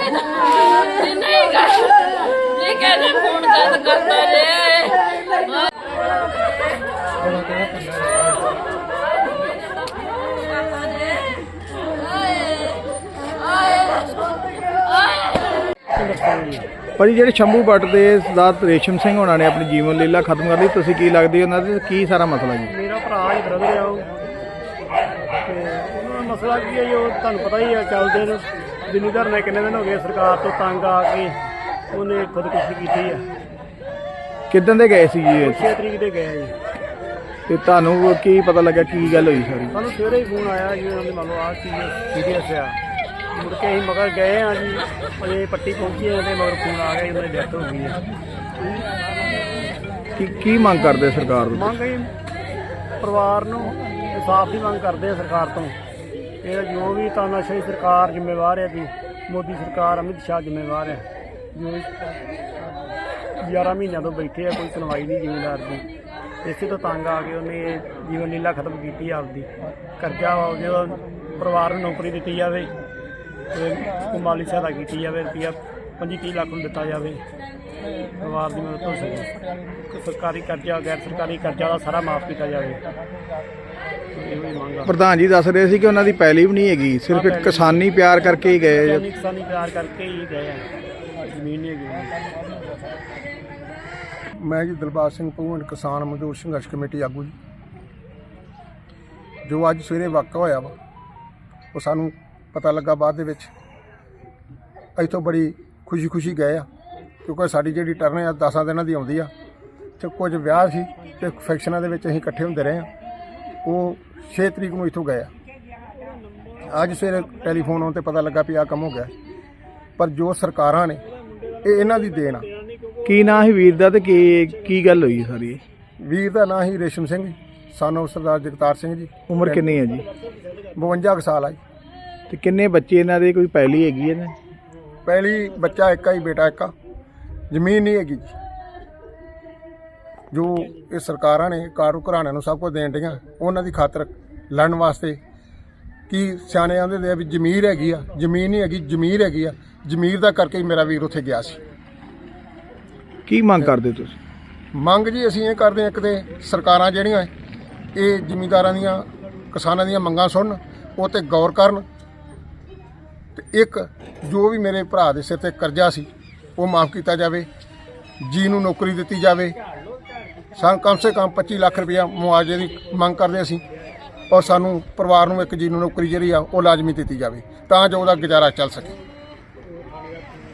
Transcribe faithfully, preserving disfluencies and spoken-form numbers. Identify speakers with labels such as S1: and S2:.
S1: नहीं कर ये कैसे फोन कर करता रे
S2: ਭਾਜੀ ਜਿਹੜੇ ਸ਼ੰਭੂ ਭੱਟ ਦੇ ਸਰਦਾਰ ਰੇਸ਼ਮ ਸਿੰਘ ਹੋਣਾ ਨੇ ਆਪਣੀ ਜੀਵਨ ਲੀਲਾ ਖਤਮ ਕਰ ਲਈ, ਤੁਸੀਂ ਕੀ ਲੱਗਦੀ ਉਹਨਾਂ ਦੇ ਕੀ ਸਾਰਾ ਮਸਲਾ ਜੀ?
S3: ਮੇਰਾ ਭਰਾ ਹੀ ਬ੍ਰਦਰ ਆ ਉਹ, ਤੇ ਉਹਨਾਂ ਦਾ ਮਸਲਾ ਕੀ ਹੈ ਜੀ, ਉਹ ਤੁਹਾਨੂੰ ਪਤਾ ਹੀ ਆ ਚੱਲਦੇ ਨੇ ਜ਼ਿਮੀਂਦਾਰ ਨੇ ਕਿੰਨੇ ਦਿਨ ਹੋ ਗਏ ਸਰਕਾਰ ਤੋਂ ਤੰਗ ਆ ਕੇ ਉਹਨੇ ਖੁਦਕੁਸ਼ੀ ਕੀਤੀ ਆ।
S2: ਕਿੱਦਾਂ ਦੇ ਗਏ ਸੀ ਜੀ?
S3: ਛੇ ਤਰੀਕ ਦੇ ਗਏ ਜੀ।
S2: ਤੇ ਤੁਹਾਨੂੰ ਕੀ ਪਤਾ ਲੱਗਾ ਕੀ ਗੱਲ ਹੋਈ ਸਾਰੀ?
S3: ਸਾਨੂੰ ਸਵੇਰੇ ਹੀ ਫੋਨ ਆਇਆ ਜੀ ਉਹਨਾਂ ਦੇ ਮੰਨ ਲਓ ਆਹ ਚੀਜ਼ ਸੀਰੀਅਸ ਆ। ਮੁੜ ਕੇ ਅਸੀਂ ਮਗਰ ਗਏ ਆ ਜੀ, ਅਜੇ ਪੱਟੀ ਪਹੁੰਚੇ ਆ ਤੇ ਮਗਰ ਫੋਨ ਆ ਗਿਆ ਜੀ, ਉਹਨਾਂ ਦੀ ਡੈਥ ਹੋ ਗਈ ਹੈ।
S2: ਕੀ ਕੀ ਮੰਗ ਕਰਦੇ ਸਰਕਾਰ ਤੋਂ?
S3: ਮੰਗ ਅਸੀਂ ਪਰਿਵਾਰ ਨੂੰ ਇਨਸਾਫ ਦੀ ਮੰਗ ਕਰਦੇ ਆ ਸਰਕਾਰ ਤੋਂ। ਇਹ ਜੋ ਵੀ ਤਾਨਾਸ਼ਾਹੀ ਸਰਕਾਰ ਜ਼ਿੰਮੇਵਾਰ ਹੈ ਜੀ, ਮੋਦੀ ਸਰਕਾਰ ਅਮਿਤ ਸ਼ਾਹ ਜ਼ਿੰਮੇਵਾਰ ਹੈ। ਜੋ ਗਿਆਰਾਂ ਮਹੀਨਿਆਂ ਤੋਂ ਬੈਠੇ ਆ, ਕੋਈ ਸੁਣਵਾਈ ਨਹੀਂ ਜ਼ਿਮੀਂਦਾਰ ਦੀ। ਇਸੇ ਤੋਂ ਤੰਗ ਆ ਕੇ ਉਹਨੇ ਇਹ ਜੀਵਨ ਲੀਲਾ ਖਤਮ ਕੀਤੀ ਆਪਦੀ। ਕਰਜ਼ਾ ਵਾ ਜਦੋਂ ਪਰਿਵਾਰ ਨੂੰ ਨੌਕਰੀ ਦਿੱਤੀ ਜਾਵੇ ਤੇ ਉਹ ਮਾਲੀ ਸਹਾਇਤਾ ਕੀਤੀ ਜਾਵੇ, ਰੁਪਈਆ ਪੰਜੀ ਤੀਹ ਲੱਖ ਨੂੰ ਦਿੱਤਾ ਜਾਵੇ, ਪਰਿਵਾਰ ਦੀ ਮਦਦ ਹੋ ਸਕੇ। ਸਰਕਾਰੀ ਕਰਜ਼ਾ ਗੈਰ ਸਰਕਾਰੀ ਕਰਜ਼ਾ ਦਾ ਸਾਰਾ ਮਾਫ ਕੀਤਾ ਜਾਵੇ। ਇਹੋ ਹੀ ਮੰਗ ਆ।
S2: ਪ੍ਰਧਾਨ ਜੀ ਦੱਸ ਰਹੇ ਸੀ ਕਿ ਉਹਨਾਂ ਦੀ ਪੈਲੀ ਵੀ ਨਹੀਂ ਹੈਗੀ, ਸਿਰਫ ਇੱਕ ਕਿਸਾਨੀ ਪਿਆਰ ਕਰਕੇ ਹੀ ਗਏ।
S3: ਕਿਸਾਨੀ ਕਿਸਾਨੀ ਪਿਆਰ ਕਰਕੇ ਹੀ ਗਏ ਆ, ਜ਼ਮੀਨ ਨਹੀਂ ਹੈਗੀ।
S4: ਮੈਂ ਜੀ ਦਿਲਬਾਗ ਸਿੰਘ ਭਗਵੰਤ ਕਿਸਾਨ ਮਜ਼ਦੂਰ ਸੰਘਰਸ਼ ਕਮੇਟੀ ਆਗੂ ਜੀ। ਜੋ ਅੱਜ ਸਵੇਰੇ ਵਾਕਾ ਹੋਇਆ ਵਾ ਉਹ ਸਾਨੂੰ ਪਤਾ ਲੱਗਾ ਬਾਅਦ ਦੇ ਵਿੱਚ। ਇੱਥੋਂ ਬੜੀ ਖੁਸ਼ੀ ਖੁਸ਼ੀ ਗਏ ਆ, ਕਿਉਂਕਿ ਸਾਡੀ ਜਿਹੜੀ ਟਰਨ ਆ ਦਸਾਂ ਦਿਨਾਂ ਦੀ ਆਉਂਦੀ ਆ, ਅਤੇ ਕੁਝ ਵਿਆਹ ਸੀ ਅਤੇ ਫੰਕਸ਼ਨਾਂ ਦੇ ਵਿੱਚ ਅਸੀਂ ਇਕੱਠੇ ਹੁੰਦੇ ਰਹੇ ਹਾਂ। ਉਹ ਛੇ ਤਰੀਕ ਨੂੰ ਇੱਥੋਂ ਗਏ ਆ। ਅੱਜ ਸਵੇਰੇ ਟੈਲੀਫੋਨ ਆਉਣ 'ਤੇ ਪਤਾ ਲੱਗਾ ਵੀ ਆਹ ਕੰਮ ਹੋ ਗਿਆ। ਪਰ ਜੋ ਸਰਕਾਰਾਂ ਨੇ ਇਹ ਇਹਨਾਂ ਦੀ ਦੇਣ ਆ।
S2: ਕੀ ਨਾਂ ਸੀ ਵੀਰ ਦਾ ਤੇ ਕੀ ਕੀ ਗੱਲ ਹੋਈ ਸਾਰੀ?
S4: ਵੀਰ ਦਾ ਨਾਂ ਸੀ ਰੇਸ਼ਮ ਸਿੰਘ, ਸਾਨੂੰ ਸਰਦਾਰ ਜਗਤਾਰ ਸਿੰਘ ਜੀ।
S2: ਉਮਰ ਕਿੰਨੀ ਹੈ ਜੀ?
S4: ਬਵੰਜਾ ਕੁ ਸਾਲ ਆ ਜੀ।
S2: ਤੇ ਕਿੰਨੇ ਬੱਚੇ ਇਹਨਾਂ ਦੇ? ਕੋਈ ਪੈਲੀ ਹੈਗੀ ਇਹਨਾਂ?
S4: ਪਹਿਲੀ ਬੱਚਾ ਇੱਕ ਆ ਹੀ, ਬੇਟਾ ਇੱਕ ਆ। ਜ਼ਮੀਨ ਨਹੀਂ ਹੈਗੀ ਜੀ। ਜੋ ਇਹ ਸਰਕਾਰਾਂ ਨੇ ਕਾਰੂ ਘਰਾਣਿਆਂ ਨੂੰ ਸਭ ਕੁਝ ਦੇਣ ਡੀਆਂ, ਉਹਨਾਂ ਦੀ ਖਾਤਰ ਲੜਨ ਵਾਸਤੇ ਕੀ ਸਿਆਣੇ ਆਂਦੇ ਦੇ ਆ ਵੀ ਜ਼ਮੀਰ ਹੈਗੀ ਆ, ਜ਼ਮੀਨ ਨਹੀਂ ਹੈਗੀ, ਜ਼ਮੀਰ ਹੈਗੀ ਆ। ਜ਼ਮੀਰ ਦਾ ਕਰਕੇ ਹੀ ਮੇਰਾ ਵੀਰ ਉੱਥੇ ਗਿਆ ਸੀ।
S2: ਕੀ ਮੰਗ ਕਰਦੇ ਤੁਸੀਂ?
S4: ਮੰਗ ਜੀ ਅਸੀਂ ਇਹ ਕਰਦੇ ਹਾਂ, ਇੱਕ ਤੇ ਸਰਕਾਰਾਂ ਜਿਹੜੀਆਂ ਇਹ ਜ਼ਿਮੀਂਦਾਰਾਂ ਦੀਆਂ ਕਿਸਾਨਾਂ ਦੀਆਂ ਮੰਗਾਂ ਸੁਣਨ, ਉਹ 'ਤੇ ਗੌਰ ਕਰਨ, ਤੇ ਇੱਕ ਜੋ ਵੀ ਮੇਰੇ ਭਰਾ ਦੇ ਸਿਰ 'ਤੇ ਕਰਜ਼ਾ ਸੀ ਉਹ ਮਾਫ ਕੀਤਾ ਜਾਵੇ। ਜੀ ਨੂੰ ਨੌਕਰੀ ਦਿੱਤੀ ਜਾਵੇ। ਸਾਨੂੰ ਕਮ ਸੇ ਕਮ ਪੱਚੀ ਲੱਖ ਰੁਪਇਆ ਮੁਆਵਜ਼ੇ ਦੀ ਮੰਗ ਕਰਦੇ ਅਸੀਂ, ਔਰ ਸਾਨੂੰ ਪਰਿਵਾਰ ਨੂੰ ਇੱਕ ਜੀ ਨੂੰ ਨੌਕਰੀ ਜਿਹੜੀ ਆ ਉਹ ਲਾਜ਼ਮੀ ਦਿੱਤੀ ਜਾਵੇ ਤਾਂ ਜੋ ਉਹਦਾ ਗੁਜ਼ਾਰਾ ਚੱਲ ਸਕੇ।